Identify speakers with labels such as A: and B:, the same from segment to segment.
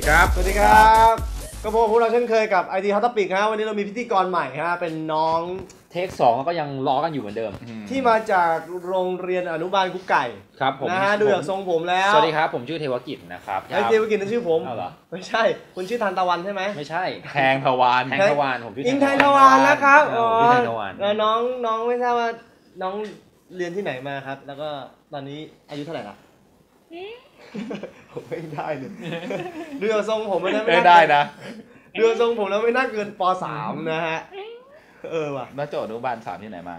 A: ครับสวัสดีครับก็พวกเราเช่นเคยกับ IT Hot Topic ฮะวันนี้เรามีพิธีกรใหม่ฮะเป็นน้อง
B: เทค2ก็ยังล้อกันอยู่เหมือนเดิม
A: ที่มาจากโรงเรียนอนุบาลกุ๊กไก่
B: ครับผม
A: นะฮะดูจากทรงผมแล้ว
B: สวัสดีครับผมชื่อเทวกิจนะครับ
A: เทวกิจนั่นชื่อผม
B: เหรอ
A: ไม่ใช่คุณชื่อทันตะวันใช่ไหม
B: ไม่ใช่
C: แทงทวาร
B: ผมชื่อ
A: อิงแทงทวารนะครับ
B: ชื่อแทงทวาร
A: แล้วน้องไม่ทราบว่าน้องเรียนที่ไหนมาครับแล้วก็ตอนนี้อายุเท่าไหร่ละผมไม่ได้เลยดูจากทรงผมไม่
C: ได้นะ
A: ดูจากทรงผมแล้วไม่น่าเกินป.3 นะฮะว่ะ
C: นักโจทย์อนุบาล3ที่ไหนมา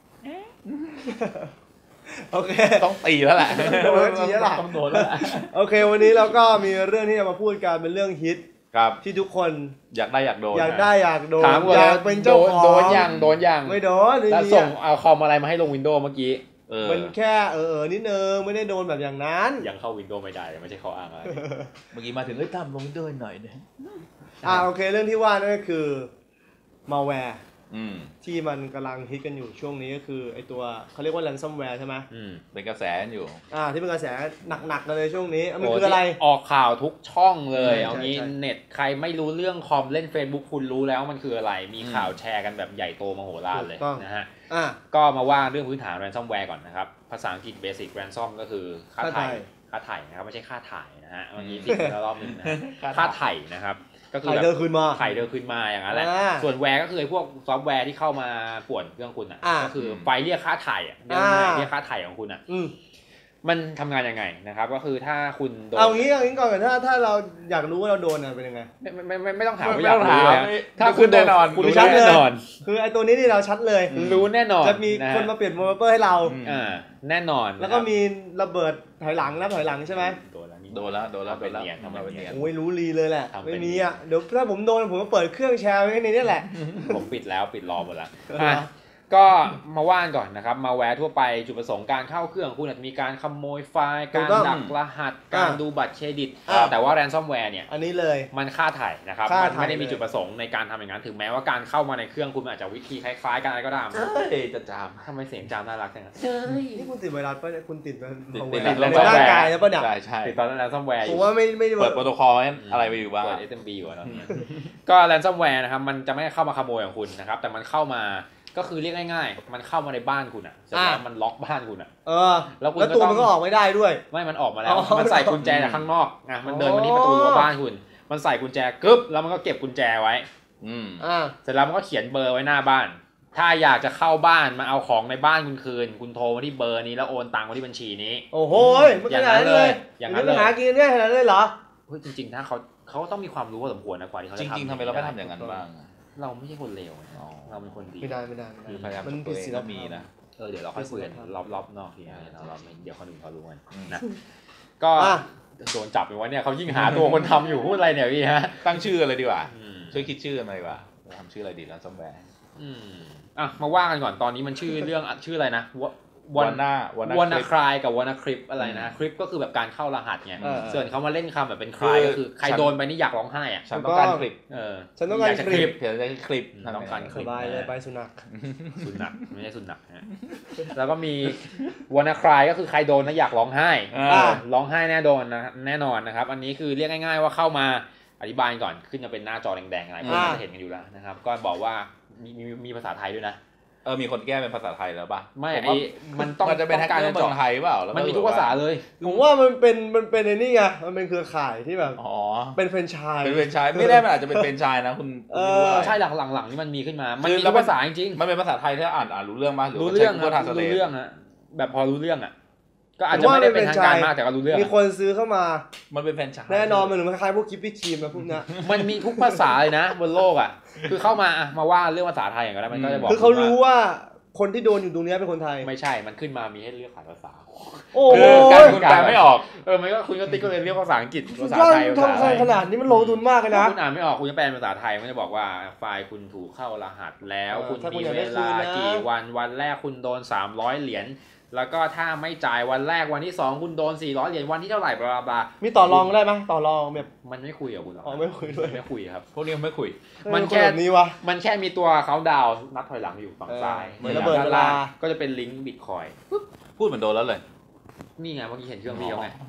A: โอเค
C: ต้องตีแล้วแหละ
A: ต้องโดนแล้วโอเควันนี้เราก็มีเรื่องที่จะมาพูดกันเป็นเรื่องฮิตที่ทุกคน
C: อยากได้อยากโดน
A: อยากโดน
B: อยากเป็นเจ้าของโดนยัง
A: ไม่โดน
B: แล้วส่งเอาคอมอะไรมาให้ลงวินโดว์เมื่อกี้
A: มันแค่นิดนึงไม่ได้โดนแบบอย่างนั้น
B: ยังเข้าวินโดว์ไม่ได้ไม่ใช่เขาอ้างอะไร
C: เมื่อกี้มาถึงทำลงวินโดว์หน่อยนึง
A: โอเคเรื่องที่ว่านั่นก็คือมาแวร์ที่มันกำลังฮิตกันอยู่ช่วงนี้ก็คือไอตัวเขาเรียกว่า ransomware ใช่ไหม
C: เป็นกระแสอยู่
A: ที่เป็นกระแสหนักๆกันเลยช่วงนี้มันคืออะไร
B: ออกข่าวทุกช่องเลยเอางี้เน็ตใครไม่รู้เรื่องคอมเล่น Facebook คุณรู้แล้วมันคืออะไรมีข่าวแชร์กันแบบใหญ่โตมโหฬารเลยนะฮะก็มาว่าเรื่องพื้นฐาน ransomware ก่อนนะครับภาษาอังกฤษ basic ransom ก็คือค่าไถ่นะครับไม่ใช่ค่าถ่ายนะฮะเมื่อกี้ติดแล้วรอบนึงนะค่าไถ่นะครับก็คือ
A: ไถ่เดินคืน
B: มาอย่างนั้นแหละส่วนแวร์ก็คือพวกซอฟต์แวร์ที่เข้ามาป่วนเครื่องคุณก็คือไฟเรียกค่าไถ่เรียกค่าไถ่ของคุณมันทำงานยังไงนะครับก็คือถ้าคุณโดน
A: เอางี้ก่อนถ้าเราอยากรู้ว่าเราโดนเป็นยังไง
B: ไม่ต้องถามไม่ต้องถาม
C: ถ้าคุณแน่นอน
A: คุณชัดเลยคือไอ้ตัวนี้นี่เราชัดเลย
B: รู้แน่นอน
A: จะมีคนมาเปลี่ยนโมเดลให้เรา
B: แน่นอน
A: แล้วก็มีระเบิดถอยหลังใช่ไหม
C: โดนแล้ว
B: เป็นเนียนทำเป็นเนียน
A: โอ้ยรู้ลีเลยแหละไม่มีเดี๋ยวถ้าผมโดนผมก็เปิดเครื่องแชร์ไว้ในนี้แหละ
B: ผมปิดรอหมดแล้วก็มาว่านก่อนนะครับมาแวร์ทั่วไปจุดประสงค์การเข้าเครื่องคุณอาจจะมีการขโมยไฟล์การดักรหัสการดูบัตรเครดิตแต่ว่า ransomware เนี่ย
A: อันนี้เลย
B: มันฆ่าไถ่นะครับมันไม่ได้มีจุดประสงค์ในการทำอย่างนั้นถึงแม้ว่าการเข้ามาในเครื่องคุณอาจจะวิธีคล้ายๆกันอะไรก็ตาม
C: จะจาม
B: ทำไมเสียงจามน่ารักจัง
A: นี่คุณติดไวรัสป่ะเนี่ยคุณติด
B: ร่
A: างกายแล้วป่ะเนี่ย
C: ใช่
B: ติดตอน ransomware
A: ผมว่าไม่
C: เปิดโปรโตคอลอะไรไปอยู่บ้าง
B: เปิด SMB อยู่ตอนนี้ก็ ransomware นะครับมันจะไม่เข้ามาขโมยของคุณนะครับแต่มันเข้ามาก็คือเรียกง่ายๆมันเข้ามาในบ้านคุณเสร็จแล้วมันล็อกบ้านคุณ
A: แล้วตัวมันก็ออกไม่ได้ด้วย
B: ไม่มันออกมาแล้วมันใส่กุญแจจากข้างนอกมันเดินมาที่ประตูรั้วบ้านคุณมันใส่กุญแจกึ๊บแล้วมันก็เก็บกุญแจไว้เสร็จแล้วมันก็เขียนเบอร์ไว้หน้าบ้านถ้าอยากจะเข้าบ้านมาเอาของในบ้านคุณคืนคุณโทรมาที่เบอร์นี้แล้วโอนตังค์มาที่บัญชีนี้
A: โอ้โหอย่างนั้นเลยอย่างนั้นเลยหากินได้ขนาดนั้นเลยเหรอ
B: เฮ้ยจริงๆถ้าเขาต้องมีความรู้พอสมควรนะกว่าที่เขาจะ
C: ทำจริงๆทำไมเราไม่ทำอย่างนั้นบ้าง
B: เราไม่ใช่คนเลวเราเป็นคนดี
A: ไม่ได้
C: มันผิดศีลธรรมนะ
B: เดี๋ยวเราค่อยคุยกันรอบนอกทีเราเดี๋ยวคนอื่นเขารู้กันนะก็โดนจับไปวะเนี่ยเขายิ่งหาตัวคนทำอยู่พูดอะไรเนี่ยพี่ฮะ
C: ตั้งชื่ออะไรดีกว่าช่วยคิดชื่อมาดีกว่าทำชื่ออะไรดีนะซอฟต์แวร์
B: มาว่ากันก่อนตอนนี้มันชื่อเรื่องชื่ออะไรนะวานาคลายกับวานาคลิปอะไรนะคลิปก็คือแบบการเข้ารหัสไงส่วนเขามาเล่นคำแบบเป็นคลายก็คือใครโดนไปนี่อยากร้องไห้
C: ฉันต้องการคลิป
A: ฉันต้องการคลิป
C: เดี๋ยวจะคลิป
B: ต้องการคลิป
A: สบายเลยไปสุนัข
B: ไม่ใช่สุนัขแล้วก็มีวานาคลายก็คือใครโดนนะอยากร้องไห้ร้องไห้แน่นอนนะครับอันนี้คือเรียกง่ายๆว่าเข้ามาอธิบายก่อนขึ้นจะเป็นหน้าจอแดงๆอะไรพวกนี้เห็นกันอยู่แล้วนะครับก็บอกว่ามีภาษาไทยด้วยนะ
C: มีคนแก้เป็นภาษาไทยแล้วป่ะ
B: ไม่มันต้อง
C: จะเป็นแฮกเกอร์เมืองไทยเปล่า
B: มันมีทุกภาษาเลย
A: ผมว่ามันเป็นไอ้นี่ไงมันเป็นเครือข่ายที่แบบเป็นแฟรนไชส์
C: ไม่ได้มันอาจจะเป็นแฟรนไชส์นะคุณ
B: ใช่หลังๆนี่มันมีขึ้นมามันมีทุกภาษาจริง
C: มันเป็นภาษาไทยที่อ่านรู้เรื่องป่ะ
B: รู้เรื่องนะแบบพอรู้เรื่องก็อาจจะไม่ได้เป็นทางการมากแต่ก็รู้เรื่อง
A: มีคนซื้อเข้ามา
C: มันเป็นแฟรนไชส์
A: แน่นอนมันเหมือนคล้ายๆพวกคิปปี้ครีมนะพวกนี้
B: มันมีทุกภาษาเลยนะบนโลกคือเข้ามาว่าเรื่องภาษาไทยอย่างไรมันก็จะบอก
A: คือเขารู้ว่าคนที่โดนอยู่ตรงนี้เป็นคนไทย
B: ไม่ใช่มันขึ้นมามีให้เลือกภาษา
A: โอ้
B: คุณแปลไม่ออกมันก็คุณก็ติ๊กก็เลยเรียกภาษาอังกฤษภาษาไทย
A: ทำขนาดนี้มันลงทุนมากเลยนะ
B: คุณอ่านไม่ออกคุณจะแปลภาษาไทยมันจะบอกว่าไฟล์คุณถูกเข้ารหัสแล้วคุณมีเวลากี่วันแรกคุณโดน300เหรียญแล้วก็ถ้าไม่จ่ายวันแรกวันที่2คุณโดน400เหรียญวันที่เท่าไหร่บลาบลา
A: มีต่อรองได้ไหมต่อรองแบบ
B: มันไม่คุยกับคุณหรอ
A: ไม่คุยด้วย
B: ไม่คุยครับ
C: พวกนี้ไม่คุย
B: มันแค่นี้วะมันแค่มีตัวเขาดาวนับถอยหลังอยู่ฝั่งซ้าย
A: เหมือนระเบิดเวลา
B: ก็จะเป็นลิงก์บิตคอย
C: พูดเหมือนโดนแล้วเลย
B: นี่ไงเมื่อกี้เห็นเครื่องพี่เขาไง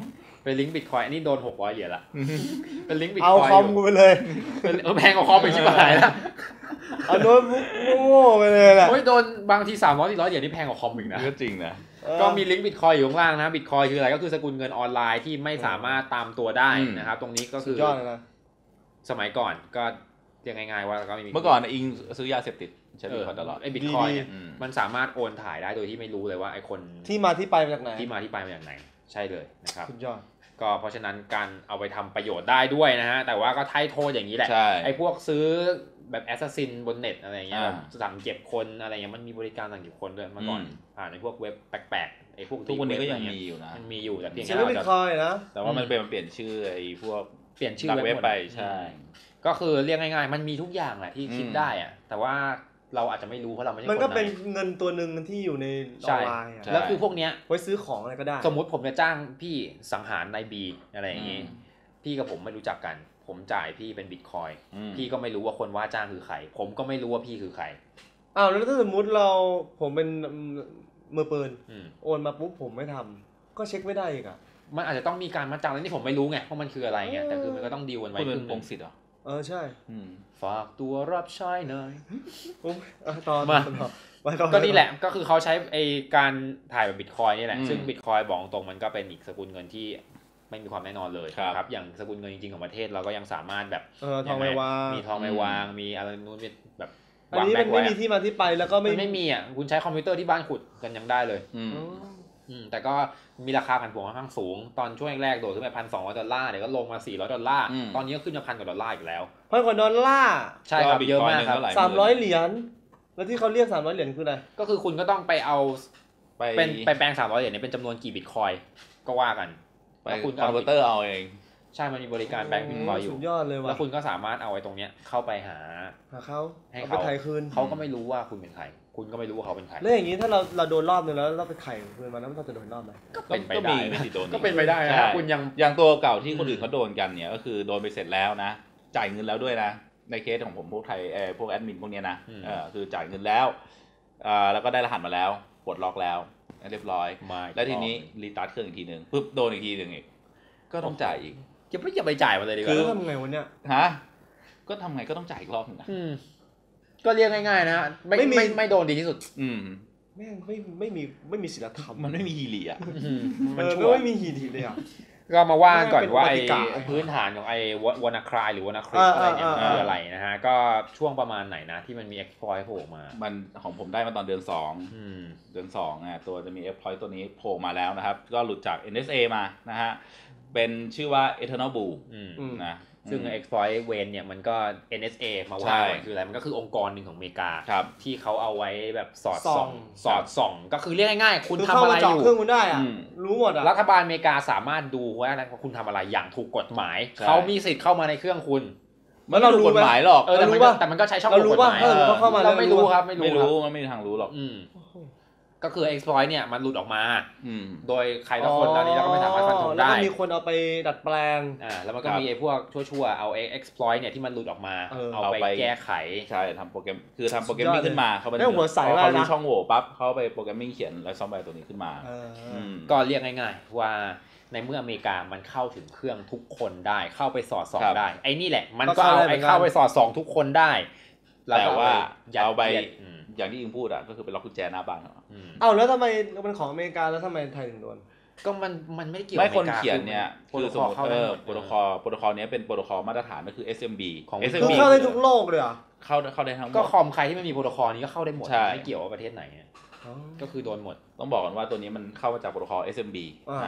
B: เป็นลิงก์บิตคอยอันนี้โดน600เหรียญละเป็นลิงก์บิตค
A: เอา
B: อย
A: คอมกูไปเลย
B: แพงกว่าคอมไปชิบหายแล้ว
A: เอาโน้ตบุ๊กโง่ๆไปเลยแหละ
B: โอ้ยโดนบางที300-400เหรียญนี่แพงกว่าคอมอีกนะ
C: ก็จริงนะ
B: ก็มีลิงก์บิตคอยอยู่ข้างล่างนะบิตคอยคืออะไรก็คือสกุลเงินออนไลน์ที่ไม่สามารถตามตัวได้นะครับตรงนี้ก็คือย
A: อดเลยนะ
B: สมัยก่อนก็เรียกง่ายๆว่าก็ไม่มี
C: เมื่อก่อนอิงซื้อยาเสพติดใช้บิตคอยตลอด
B: ไอ้บิตคอยเนี่ย
C: อืม
B: มันสามารถโอนถ่ายได้โดยที่ไม่รู้เลยว่าไอ้คน
A: ที่มาที่ไปมาจากไหน
B: ที่มาที่ไปมาจากไหนใช่เลยนะครับ
A: สุดยอด
B: ก็เพราะฉะนั้นการเอาไปทำประโยชน์ได้ด้วยนะฮะแต่ว่าก็ไถ่โทษอย่างนี้แหละ
C: ใช่
B: ไอ้พวกซื้อแบบแอสซัสซินบนเน็ตอะไรเงี้ย
C: อ่า
B: แบบสั่งเก็บคนอะไรเงี้ยมันมีบริการสั่งเก็บคนด้วยเมื่อก่อนผ่านในพวกเว็บแปลกๆไอ้พวก
C: ทุกวันนี้ก็ยัง
B: เว็บ
C: มีอยู่นะ
B: มันมีอยู่แต่เพียง
A: ซื้
B: แค่
A: อบิตคอยนะ
C: แต่ว่ามันเปลี่ยนชื่อไอ้พวก
B: เปลี่ยนชื่อ
C: ดักเว็บไป
B: หมด
C: ใช่
B: ก็คือเรียกง่ายๆมันมีทุกอย่างแหละที่คิดได้อะแต่ว่าเราอาจจะไม่รู้เพราะเราไม่ใช่คน
A: มันก็เป็น
B: ใน
A: เงินตัวหนึ่งที่อยู่ในออนไลน์อะ
B: แล้วคือพวกเนี้ย
A: ไว้ซื้อของอะไรก็ได้
B: สมมุติผมจะจ้างพี่สังหารนายบีอะไรอย่างงี้พี่กับผมไม่รู้จักกันผมจ่ายพี่เป็นบิตคอยพี่ก็ไม่รู้ว่าคนว่าจ้างคือใครผมก็ไม่รู้ว่าพี่คือใคร
A: อ้าวแล้วถ้าสมมุติผมเป็นมือปืนโอนมาปุ๊บผมไม่ทำก็เช็คไม่ได้อีกอ่ะ
B: มันอาจจะต้องมีการมัดจำแล้วนี่ผมไม่รู้ไงว่ามันคืออะไรไงแต่คือมันก็ต้องดีลกันไว้
C: คุณเป็
B: ครึ่
C: น
B: ง
C: ปงสิทธิ์เหรอ
A: ใช่
B: ฝากตัวรับใช้หน่อย
A: ตอน
B: มา
A: ต่อ
B: ก็นี่แหละก็คือเขาใช้ไอการถ่ายแบบบิตคอยนี่แหละซึ่งบิตคอยบอกตรงมันก็เป็นอีกสกุลเงินที่ไม่มีความแน่นอนเลยครับอย่างสกุลเงินจริงๆของประเทศเราก็ยังสามารถแบบ
A: ทองไม่วาง
B: มีทองไม่วางมีอะไรนู้นแบบ
A: อันนี้มันไม่มีที่มาที่ไปแล้วก็
B: ไม่มีอ่ะคุณใช้คอมพิวเตอร์ที่บ้านขุดกันยังได้เลยแต่ก็มีราคาผันผวนค่อนข้างสูงตอนช่วงแรกๆโดดขึ้นไป$1,200เดี๋ยวก็ลงมา$400ตอนนี้ก็ขึ้นมา$1,000อีกแล้ว
A: $1,000
B: ใช่ครับเยอะมากครับ
A: 300เหรียญแล้วที่เขาเรียก300เหรียญคืออะไร
B: ก็คือคุณก็ต้องไปเอาไปแปลง300เหรียญเป็นจำนวนกี่บิตคอยก็ว่ากัน
C: ไปคอนเวอร์เตอร์เอาเอง
B: ใช่มันมีบริการแปลงบิตคอยอยู่
A: สุดยอดเลยว่ะ
B: แล้วคุณก็สามารถเอาไอ้ตรงเนี้ยเข้าไปหา
A: เขา
B: ให้
A: เขาไปไถ่คืน
B: เขาก็ไม่รู้ว่าคุณเป็นใครคุณก็ไม่รู้ว่าเขาเป็นใคร
A: แล้วอย่างนี้ถ้าเราโดนรอบนึงแล้วเราไปไถ่คืนมาแล้วเราจะโดนรอบไหม
B: ก็เป็นไปได้
C: ก็
B: เป็นไปได้นะคุณ
C: อย่างตัวเก่าที่คนอื่นเขาโดนกันเนี่ยก็คือโดนไปเสร็จแล้วนะจ่ายเงินแล้วด้วยนะในเคสของผมพวกไทยพวกแอดมินพวกเนี้ยนะคือจ่ายเงินแล้วแล้วก็ได้รหัสมาแล้วปลดล็อกแล้วเรียบร้อยแล้วทีนี้รีสตาร์ทเครื่องอีกทีนึงปุ๊บโดนอีกทีนึงอีกก็ต้องจ่ายอีก
B: อย่าไปจ่ายมาเลยดีกว่า
A: คือทำไงวะเนี่ย
C: ฮะก็ทำไงก็ต้องจ่ายอีกรอบนึงนะ
B: ก็เรียกง่ายๆนะไม่โดนดีที่สุด
A: แม่งไม่มีศีลธรรม
C: มันไม่มีฮีรีอ่ะ
A: มันไม่มีฮีรีเลยอ่ะ
B: ก็มาว่าก่อนว่าไอ้พื้นฐานของไอ้วานาครายหรือวานาคริสอะไรเนี่ยมันคืออะไรนะฮะก็ช่วงประมาณไหนนะที่มันมี exploit โผล่มา
C: มันของผมได้มาตอนเดือน2เดือน2ตัวจะมี exploit ตัวนี้โผล่มาแล้วนะครับก็หลุดจาก NSA มานะฮะเป็นชื่อว่า Eternal Blue นะ
B: ซึ่ง exploit เวนเนี่ยมันก็ NSA มาว่าคืออะไรมันก็คือองค์กรหนึ่งของอเมริกาที่เขาเอาไว้แบบสอดส่องก็คือเรียกง่ายๆคุณทำอะไรอยู่
A: เครื่องคุณได้อ่ะรู้หมดอ่ะ
B: รัฐบาลอเมริกาสามารถดูว่าคุณทำอะไรอย่างถูกกฎหมายเขามีสิทธิ์เข้ามาในเครื่องคุณ
C: มันเรารู้กฎหมายหรอก
B: แต่มันก็ใช้ช่องกฎหมายเราไม่รู้ครับไม่รู้
C: มันไม่มีทางรู้หรอก
B: ก็คือ exploit เนี่ยมันหลุดออกมาโดยใครละคนตอนนี้เราก็ไม่สามารถฟันธงได้
A: แล้วก็มีคนเอาไปดัดแปลง
B: แล้วมันก็มีไอ้พวกชั่วๆเอา exploit เนี่ยที่มันหลุดออกมาเอาไปแก้ไข
C: ใช่ทำโปรแกรมคือทำโปรแกรมมิ่งขึ้นมาเขาเป็น
A: หัวใสมากนะ
C: เขารู้ช่องโหว่ปั๊บเขาไปโปรแกรมมิ่งเขียนแล้วซอฟต์แวร์ตัวนี้ขึ้นมา
B: ก็เรียกง่ายๆว่าในเมื่ออเมริกามันเข้าถึงเครื่องทุกคนได้เข้าไปสอดส่องได้ไอ้นี่แหละมันก็เอาไอ้เข้าไปสอดส่องทุกคนได้
C: แต่ว่าเอาไปอย่างที่อิงพูดอ่ะก็คือเป็นล็อกกุญแจหน้าบ้าน
A: แล้วทำไมมันของอเมริกาแล้วทำไมไทยถึงโดน
B: ก็มันไม่ได้เกี่ยว
C: กับคนเขียนเนี่ยคือสมมติโปรโตคอลนี้เป็นโปรโตคอลมาตรฐานก็คือ SMB
A: ของ SMB เข้าได้ทุกโลกเลยอ่ะ
C: เข้าได้ทั้งหมด
B: ก็คอมใครที่ไม่มีโปรโตคอลนี้ก็เข้าได้หมดไม่เกี่ยวว่าประเทศไหนก็คือโดนหมด
C: ต้องบอกก่อนว่าตัวนี้มันเข้ามาจากโปรโตคอล SMB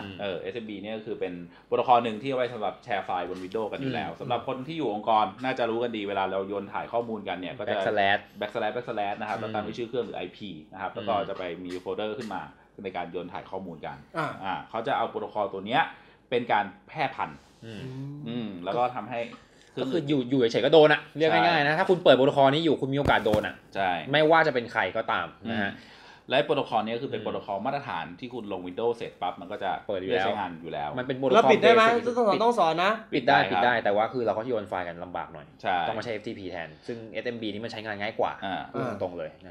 C: SMB เนี่ยก็คือเป็นโปรโตคอลหนึ่งที่เอาไว้สำหรับแชร์ไฟล์บน Windows กันอยู่แล้วสำหรับคนที่อยู่องค์กรน่าจะรู้กันดีเวลาเราโยนถ่ายข้อมูลกันเนี่ยก็จะ backslash นะครับแล้วตามด้วยชื่อเครื่องหรือ IP นะครับแล้วก็จะไปมีโฟลเดอร์ขึ้นมาในการโยนถ่ายข้อมูลกันเขาจะเอาโปรโตคอลตัวเนี้ยเป็นการแพร่พันธุ์แล้วก็ทำให้
B: ก็คืออยู่เฉยๆก็โดนอ่ะเรียกง่ายๆนะถ้าคุณเปิดโปรโตคอลนี้อยู่คุณมีโอกาสโดนอ่ะ
C: ใช่
B: ไม่ว่าจะเป็นใครก็ตามนะฮะ
C: และโปรโตคอลนี้คือเป็นโปรโตคอลมาตรฐานที่คุณลง Windows เสร็จปั๊บมันก็จะ
B: เปิดใช้
C: งานอยู่แล้ว
B: มันเป็นโปรโตคอลแล้ว
A: ปิดได้ไหมต้องสอนนะ
B: ปิดได้แต่ว่าคือเราก็โยนไฟล์กันลำบากหน่อยต้องมาใช้ FTP แทนซึ่ง SMB นี่มันใช้งานง่ายกว่าตรงเลยนะฮะ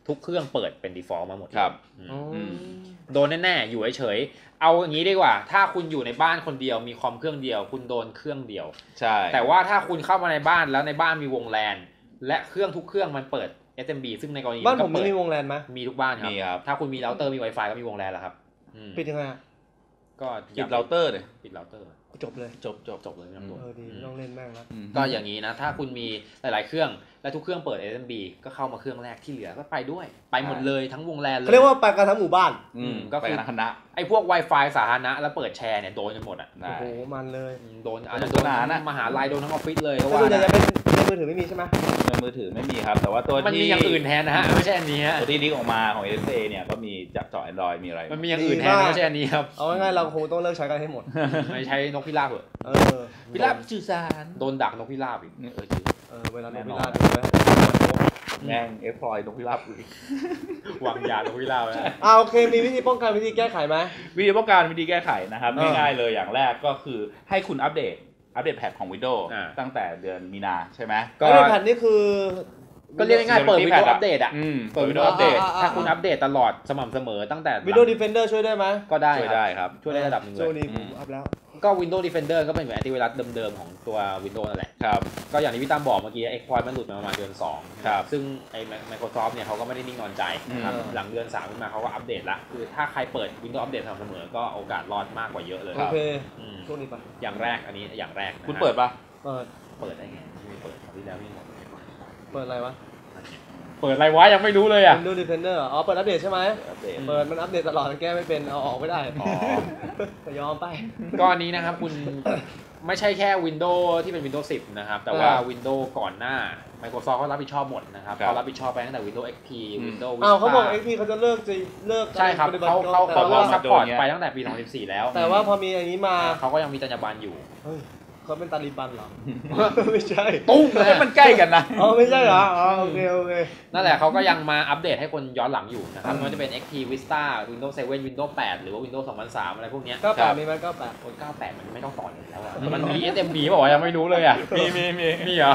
B: ทุกเครื่องเปิดเป็น default มาหมด
C: ครับ
B: โดนแน่ๆอยู่เฉยๆเอาอย่างนี้ดีกว่าถ้าคุณอยู่ในบ้านคนเดียวมีคอมเครื่องเดียวคุณโดนเครื่องเดียว
C: ใช่
B: แต่ว่าถ้าคุณเข้ามาในบ้านแล้วในบ้านมีวงแลนและเครื่องทุกเครื่องมันเปิด SMB ซึ่งในกรณี
A: บ้านผมมีวงแลนไหม
B: มีทุกบ้านครับถ้าคุณมีเราเตอร์มี Wi-Fi ก็มีวงแลนแล้วครับ
A: ปิดยังไง
C: ก็ปิดเราเตอร์เลย
B: ปิดเราเตอร์
A: จบเลย
B: จบเลยไม่ต้อง
A: ดีไม่ต้องเล่นแม่งแล้ว
B: ก็อย่างนี้นะถ้าคุณมีหลายๆเครื่องและทุกเครื่องเปิด SMB ก็เข้ามาเครื่องแรกที่เหลือก็ไปด้วยไปหมดเลยทั้งวงแลนเลย
A: เขาเรียกว่าไปกันทั้งหมู่บ้าน
B: ก็คือคณะไอ้พวก Wi-Fi สาธารณะแล้วเปิดแชร์เนี่ยโดนกันหมดอ่ะ
A: โอ้โหมันเลย
B: โดนอาจจะโดนมหาลัยโดนทั้งออฟฟิศเลย
A: ก็ว่าจะเป็นในมือถือไม่มีใช่ไหม
C: ในมือถือไม่มีครับแต่ว่าตัวที่
B: มันมีอย่างอื่นแทนนะฮะไม่ใช่อันนี้ฮะ
C: ตัวที่ลิงก์ออกมาของ SA เนี่ยก็มีจับเจาะ Android มีอะไร
B: มันมีอย่างอื่นแทนไม่ใช่อันนี้ครับ
A: เอาง่ายๆเราคงต้องเลิกใช้กันให้หมด
B: ไม่ใช้นกพิราบเหรอ
C: พิราบสื่อสาร
B: โดนดักนกพิราบอีก
A: เวลานกพิราบ
C: แม่งเอ็กพลอยนกพิราบอีก
B: วางยานกพิราบแล้ว
A: โอเคมีวิธีป้องกันวิธีแก้ไขไหม
C: วิธีป้องกันวิธีแก้ไขนะครับง่ายๆเลยอย่างแรกก็คือให้คุณอัปเดตแพทของ Windows ตั้งแต่เดือนมีนาใช่ไหม
A: ก็อัปเดตแพทนี่คือ
B: ก็เรียกง่ายๆเปิด Windows อัปเดตเปิด Windows อัปเดตถ้าคุณอัปเดตตลอดสม่ำเสมอตั้งแต่
A: Windows Defender ช่วยได้ไหม
B: ก็ได้
C: ช่วยได้ครับ
B: ช่วยได้ระดับนึงเลย
A: ช่วงนี้ผมอัปแล้ว
B: ก็ Windows Defender ก็เป็นเหมือนแอนตี้ไวรัสเดิมๆของตัว Windows นั่นแหละ
C: ครับ
B: ก็อย่างที่พี่ตั้มบอกเมื่อกี้ Exploit มันหลุดมาประมาณเดือน2
C: ครับ
B: ซึ่งไอ้ Microsoft เนี่ยเขาก็ไม่ได้นิ่งนอนใจนะครับหลังเดือน3ขึ้นมาเขาก็อัปเดตละคือถ้าใครเปิด Windows อัปเดตสม่ำเสมอก็โอกาสรอดมากกว่าเยอะเลย
A: โอเคช่วงนี้ป่ะ
B: อย่างแรกอันนี้อย่างแรก
C: คุณเปิดป่ะ
B: เปิดได้ไงไม่เปิดคราวที่แล้วนี่หมด
A: เปิดอะไรวะ
B: เปิดอะไรวะยังไม่รู้เลยอ่ะ
A: Windows Defender เปิดอัปเดตใช่ไหมเปิดมันอัปเดตตลอดแก้ไม่เป็นเอาออกไม่ได้แต่ยอมไป
B: ก็อันนี้นะครับคุณไม่ใช่แค่ Windows ที่เป็น Windows 10 นะครับแต่ว่า Windows ก่อนหน้า Microsoft เขารับผิดชอบหมดนะครับเขารับผิดชอบไปตั้งแต่ Windows XP Windows Vista
A: เขาบอก XP เขาจะเลิก
B: ใช่ครับเขาซัพพอร์ตไปตั้งแต่ปี2014แล้ว
A: แต่ว่าพอมีอันนี้มา
B: เขาก็ยังมีจรรยาบรรณอยู่
A: เขาเป็นตาลีบันเหรอไม่ใช่
B: ตุ้มเลย
C: มันใกล้กันนะ
A: ไม่ใช่เหรอโอเค
B: นั่นแหละเขาก็ยังมาอัปเดตให้คนย้อนหลังอยู่นะครับไม่ว่าจะเป็น XP Vista Windows 7 Windows 8 หรือว่า Windows 2003 อะไรพวกนี้
A: 98มีไหม
B: 98มันไม่ต้องต่อเลยแล้วมันมี SMB บอกว่ายังไม่รู้เลยอ่ะมีเหรอ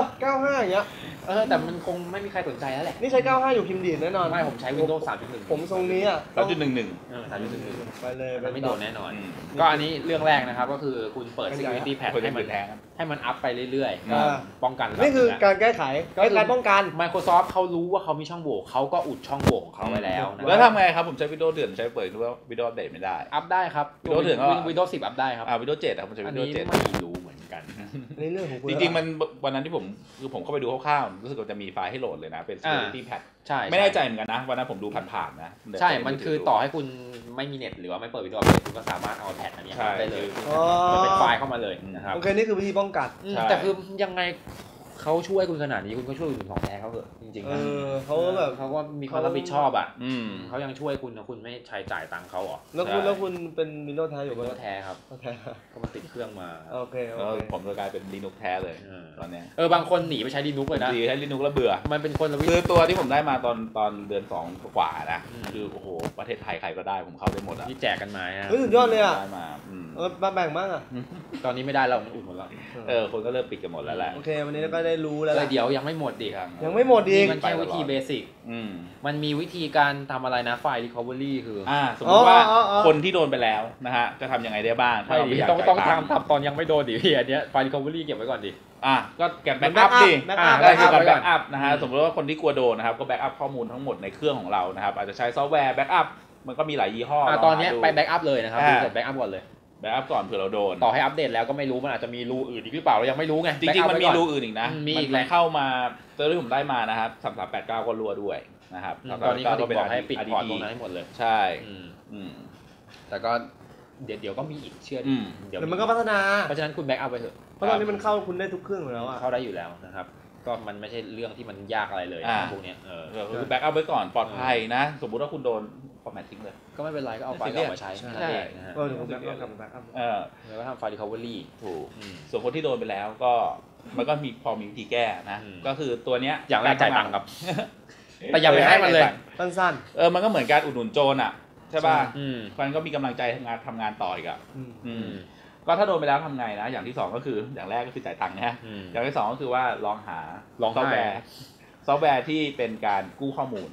A: 95อย่างเงี้ย
B: แต่มันคงไม่มีใครสนใจแล้วแหละ
A: นี่ใช้95อยู่พิมพ์ดีแน่นอน
B: ไม่ผมใช้ Windows 3.1
A: ผมทรงนี้อ่ะ
B: 3.1 ไปเลยมันไม่โดนแน่นอนก็อันนี้เรื่องแรกนะครับก็คือคุณเปิด security patch ให้มันอัพไปเรื่อยๆป้องกัน
A: นี่คือการแก้ไขการป้องกัน
B: Microsoft เขารู้ว่าเขามีช่องโหว่เขาก็อุดช่องโหว่ของเขาไว้แล้ว
C: แล้วทำไงครับผมใช้ Windows เดือนใช้เปิดว่า Windows อัปเดตไม่ได้
B: อัพได้ครับ
C: Windows เดือนก็
B: Windows 10 อัพได้ครับ
C: Windows 7ครับผมใช้ Windows 7
B: ไม่รู้เหมือนกัน
A: ในเรื่องของ
C: จริงๆมันวันนั้นที่ผมเข้าไปดูคร่าวๆรู้สึกว่าจะมีไฟล์ให้โหลดเลยนะเป็น security patch
B: ใช่
C: ไม่แน่ใจเหมือนกันนะวันนั้นผมดูผ่านๆนะ
B: ใช่มันคือต่อให้คุณไม่มีเน็ตหรือว่าไม่เปิด Windows อัปเดตคุณก็สามารถเอาแพทอันนี้ได้เลยมันเป็นไฟล์เข้ามาเลยนะครับ
A: โอเคนี่คือวิธีป้องกัน
B: แต่คือยังไงเขาช่วยคุณขนาดนี้คุณก็ช่วยคุณของแท้เขาเถอะจริงๆนะ
A: เขาแบบ
B: เขาก็มีความรับผิดชอบอ่ะเขายังช่วยคุณนะคุณไม่ใช้จ่ายตังค์เขาหรอ
A: แล้วคุณเป็น Windows แท้อยู่ไหม
B: Windows แท้ครับก็มันติดเครื่องมา
A: โอเค
C: ผมจะกลายเป็น Linux แท้เลยตอนนี้
B: บางคนหนีไปใช้ Linux เลยนะ
C: ใช้ Linux แล้วเบื่อ
B: มันเป็นคนละวิ
C: คือตัวที่ผมได้มาตอนเดือน2กว่านะคือโอ้โหประเทศไทยใครก็ได้ผมเข้าได้หมดอ่ะ
B: ที่แจกกันมา
A: สุดยอดเลยอ่ะ
C: ได้มา
A: มาแบ่งมากอ่ะ
B: ตอนนี้ไม่ได้แล้วมันอุดหมดแล้ว
C: คนก็เริ่มปิดกันหมดแล้วแหละ
A: โอเควันนี้ก็ได้รู้แล้ว
B: เดี๋ยวยังไม่หมดดิครับ
A: ยังไม่หมดอีก
B: มันแค่วิธีเบสิกมันมีวิธีการทำอะไรนะไฟล์ recovery คือ
C: สมมติว่าคนที่โดนไปแล้วนะฮะจะทำยังไงได้บ้าง
B: ถ้าเราไม่อยากต้องทำตอนยังไม่โดนดิพี่อันนี้ไฟล์ recovery เก็บไว้ก่อนดิ
C: ก็เก็บแบ็กอัพดิได้คือการแบ็กอัพนะฮะสมมติว่าคนที่กลัวโดนนะครับก็แบ็กอัพข้อมูลทั้งหมดในเครื่องของเรานะครับอาจจะใช้ซอฟต์แวร์แบ็กอัพมันก็มีหลายยี่ห้อ
B: ตอนนี้ไปแบ็กอัพเลยนะครับเสร็จแบ็กอัพก่อนเลย
C: แบ็กอัพก่อนเผื่อเราโดน
B: ต่อให้อัปเดตแล้วก็ไม่รู้มันอาจจะมีรูอื่นอีกหรือเปล่าเรายังไม่รู้ไง
C: จริงๆมันมีรูอื่นอีกนะมันเข้ามาตัวที่ผมได้มานะครับ3389ก็รั่วด้วยนะครับ
B: ตอนนี้เขาบอกให้ปิดพอร์ตตรงนั้นให้หมดเลย
C: ใช่
B: แต่ก็เดี๋ยวก็มีอีกเชื่อ
A: เดี๋ยวมันก็พัฒนา
B: เพราะฉะนั้นคุณแบ็กอัพไปเถอะ
A: เพราะตอนนี้มันเข้าคุณได้ทุกเครื่องอยู่แล้ว
B: เข้าได้อยู่แล้วนะครับก็มันไม่ใช่เรื่องที่มันยากอะไรเลยพวกนี้
C: คือแบ็กอัพไว้ก่อนปลอดภัยนะสมมุติว่าคุณโดนฟอร์แมตทิ้งเลย
B: ก็ไม่เป็นไรก็เอาไฟล์ออกมาใช้นั่นเองนะฮะ
A: เดี๋ยวผมแบ็กอัพ
B: แล้วก็ทำไฟล์ recovery
C: ถูกส่วนคนที่โดนไปแล้วก็มันก็มีพอมีวิธีแก้นะก็คือตัวเนี้ย
B: อย่างแรกจ่ายตังค์ครับแต่อย่าไปให้มันเลย
A: สั้น
C: มันก็เหมือนการอุดหนุนโจรอ่ะใช่ป่ะมันก็มีกำลังใจทำงานต่ออีกอ่ะก็ถ้าโดนไปแล้วทำไงนะอย่างที่2ก็คืออย่างแรกก็คือจ่ายตังค์นะอย่างที่2ก็คือว่าลองหาซอฟต์แวร์ที่เป็นการกู้ข้อมูล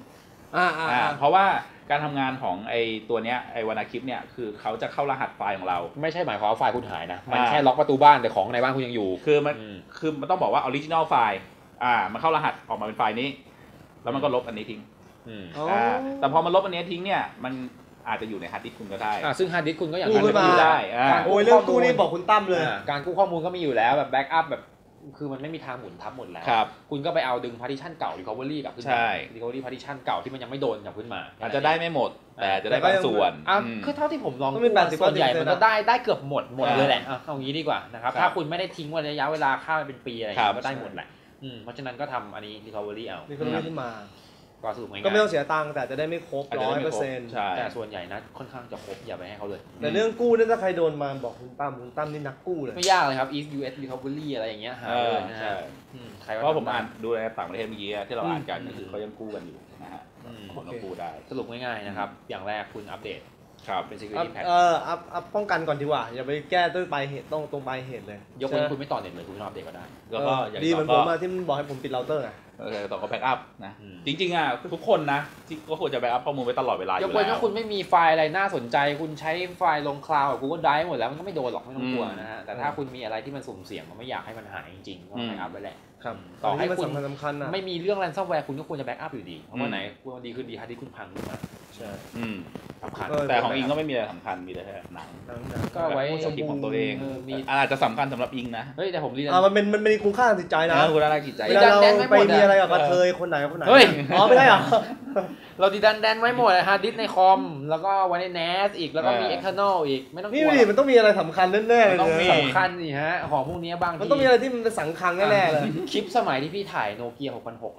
C: เพราะว่าการทำงานของไอตัวเนี้ยไอวานาคลิปเนี่ยคือเขาจะเข้ารหัสไฟล์ของเรา
B: ไม่ใช่หมายความว่าไฟล์คุณหายนะมันแค่ล็อกประตูบ้านแต่ของในบ้านคุณยังอยู่
C: คือมันต้องบอกว่าออริจินอลไฟล์มันเข้ารหัสออกมาเป็นไฟล์นี้แล้วมันก็ลบอันนี้ทิ้งแต่พอมันลบอันนี้ทิ้งเนี่ยมันอาจจะอยู่ในฮาร์ดดิสก์คุณก็ได้
B: ซึ่งฮาร์ดดิสก์คุณก็อย่าง
A: กู้มา
C: ได้
A: โอ้ยเรื่องกู้นี่บอกคุณตั้มเลย
B: การกู้ข้อมูลก็มีอยู่แล้วแบบแบ็กอัพแบบคือมันไม่มีทางหมุนทับหมดแล้วคุณก็ไปเอาดึง partition เก่า recovery กลับขึ้นมา recovery partition เก่าที่มันยังไม่โดนกลับขึ้นมา
C: อาจจะได้ไม่หมดแต่จะได้บางส่วน
B: คือเท่าที่ผมลองส่วนใหญ่มันก็ได้เกือบหมดเลยแหละเอางี้ดีกว่านะครับถ้าคุณไม่ได้ทิ้งวันระยะเวลาข้ามไปเป็นปีอะไรก็ได้หมดแหละเพราะฉะนั้นก็ทำอันนี้ recovery เอา
A: recovery ขึ้นมา
B: ก็สรุปง่ายๆ
A: ก็ไม่ต้องเสียตังค์แต่จะได้ไม่ครบ 100%
B: แต่ส่วนใหญ่นะค่อนข้างจะครบอย่าไปให้เขาเลย
A: แต่เรื่องกู้นั่นถ้าใครโดนมาบอกคุณตั้มนี่นักกู้เลย
B: ไม่ยากเลยครับ East US recovery อะไรอย่างเงี้ยหาเลยนะฮะ
C: เพราะผมอ่านดูในต่างประเทศเมื่อกี้ที่เราอ่านกันก็คือเขายังกู้กันอยู่นะฮะคนก็กู้ได้
B: สรุปง่ายๆนะครับอย่างแรกคุณอัปเดตเป็น security patch
A: อัพป้องกันก่อนดีกว่าอย่าไปแก้ด้วยปลายเหตุตรงปลายเหตุเลย
B: ยกเว้นคุณไม่ต่อเน็ตเลยคุณอัปเดตก็ได้
C: แล้วก็อย่าง
A: ดีเหมือนผมที่มันบอกให้ผมปิดเราเตอร์
C: ต่อก็แบ็กอัพนะจริงๆทุกคนนะก็ควรจะแบ็กอัพข้อมูลไว้ตลอดเวลาอยู่แล้ว
B: ยกเว้นว่าคุณไม่มีไฟล์อะไรน่าสนใจคุณใช้ไฟล์ลงคลาวด์กับ Google Drive หมดแล้วมันก็ไม่โดนหรอกไม่ต้องกลัวนะฮะแต่ถ้าคุณมีอะไรที่มันสุ่มเสี่ยงมันไม่อยากให้มันหายจริงๆก็แบ็กอัพไว้แหละ
A: ต่อให้คุณ
B: ไม่มีเรื่อง ransomware คุณก็ควรจะแบ็กอัพอยู่ดีเพราะว่าไหนคุณดีขึ้นดีฮาร์ดดิสก์คุณพังขึ้นมา
A: ใช่
C: สำคัญแต่ของอิงก็ไม่มีอะไรสำคัญมีแต่หนัง
B: ก็ไว้
C: สกิปของตัวเองอาจจะสำคัญสำหรับอิงนะ
B: เฮ้ยแต่ผมเรียน
A: มันมีคุณค่าทางจิตใจนะ
C: คุณค่าทางจิตใจ
A: เวลาเราไปมีอะไรกับกระเทยคนไหน
B: เฮ้ย
A: ไม่ได้หรอ
B: เราดีดันไว้หมดฮาร์ดดิสก์ในคอมแล้วก็ไว้ใน NAS อีกแล้วก็มี external อีกไม่ต้องกลัว
A: นี่มันต้องมีอะไรสำคัญแน่ๆเลย
B: สำคัญสิฮะของพวกนี้บางที
A: มันต้องมีอะไรที่มันเป็นสังคัญแน่ๆเลย
B: คลิปสมัยที่พี่ถ่ายโนเกีย6006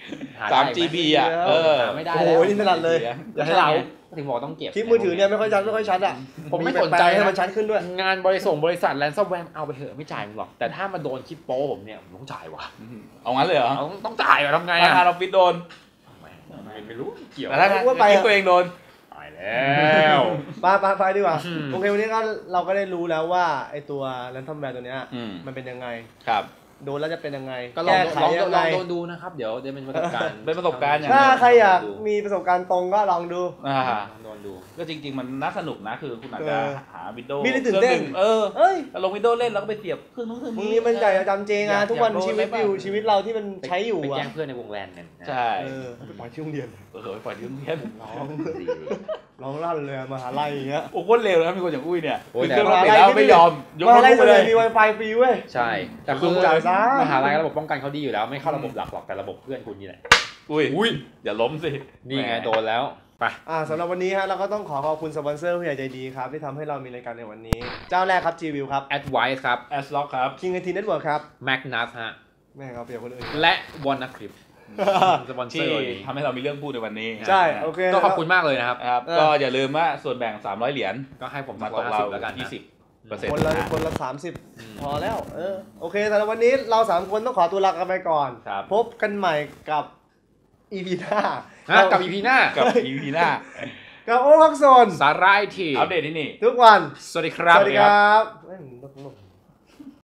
C: 3GB
B: ไม่ได้
A: โอ้ยนี่ถนัดเลยอย่าให้เรา
B: ถึงบอกต้องเก็บ
A: คลิปมือถือเนี่ยไม่ค่อยชัด
B: ผมไม่สนใจ
A: ให้มันชัดขึ้นด้วย
B: งานบริษัทแลนซ์แวร์เอาไปเถอะไม่จ่ายมึงหรอกแต่ถ้ามาโดนคลิปโป้ผมเนี่ยผมต้องจ่ายว่ะ
C: เอางั้นเลยเหรอ
B: ต้องจ่ายว่ะทำไง
C: ถ้าเราฟิตโดน
B: ไม่รู้เกี่ยว
C: แต่ถ้าตัวเองโดน
B: ตายแล้ว
A: ไปดีกว่าโอเควันนี้ก็เราก็ได้รู้แล้วว่าไอตัวแรนซัมแวร์ตัวเนี้ยมันเป็นยังไง
C: ครับ
A: โดนแล้วจะเป็นยังไง
B: ก็ลองโดนดูนะครับเดี๋ยวเป็นประสบการณ์
A: ถ้าใครอยากมีประสบการณ์ตรงก็ลองดู
B: โดนดู
C: ก็จริงๆมันน่าสนุกนะคือคุณอาจจะหาวินโดว์
A: มีตื่นเต้น
C: ลงวินโดว์เล่นแล้วก็ไปเสียบเครื่องนู้นเครื่อง
A: นี้มันใหญ่จำเจงทุกวันชีวิตเราที่มันใช้อยู่
B: ไปแจ้งเพื่อนในวงแลนเนี่ย
C: ใช่
A: ไปปล่อยที่โรงเรียน
C: ไปปล่อยที่โรงเรียน
A: ร้องลั่นเลยมหาลัยอย่างเงี้ย
C: โอ้โคตรเร็วนะมีคนอย่างอุ้ยเนี่ย
A: เครื่องมหาลัยแล้วไม่ยอมมหาลัยเลยมี Wi-Fi ฟรีเว้ย
B: ใช่แต่คือมหาลัยระบบป้องกันเขาดีอยู่แล้วไม่เข้าระบบหลักหรอกแต่ระบบเพื่อนคุณนี่แหละ
C: อุ้ยอย่าล้มสิ
B: นี่ไงโดนแล้วไป
A: สำหรับวันนี้ฮะเราก็ต้องขอบคุณสปอนเซอร์ผู้ใหญ่ใจดีครับที่ทำให้เรามีรายการในวันนี้เจ้าแรกครับ G-View ครับ
B: Advice ครับ
C: Aslock ครับ
A: King IT Network ครับ
B: Magnus ฮะ
A: แม่ครับเปลี่ยนคนอื่น
B: และ Wannacrypt สปอนเซอร์
C: ทำให้เรามีเรื่องพูดในวันนี้
A: ใช่โอเค
B: ก็ขอบคุณมากเลยนะครับ
C: ก็อย่าลืมว่าส่วนแบ่ง300เหรียญ
B: ก็ให้ผม
C: มาตกเรา
B: แล้วกัน
C: 20%
A: คนละ30พอแล้วโอเคสำหรับวันนี้เรา3คนต้องขอตัวลากันไปก่อนพบกันใหม่กับ EP หน้า
B: กับ EP หน้า
A: กับโอ๊คโซน
B: สาระไอที
C: อัปเดตที่นี่
A: ทุกวัน
B: สวัสดีครับ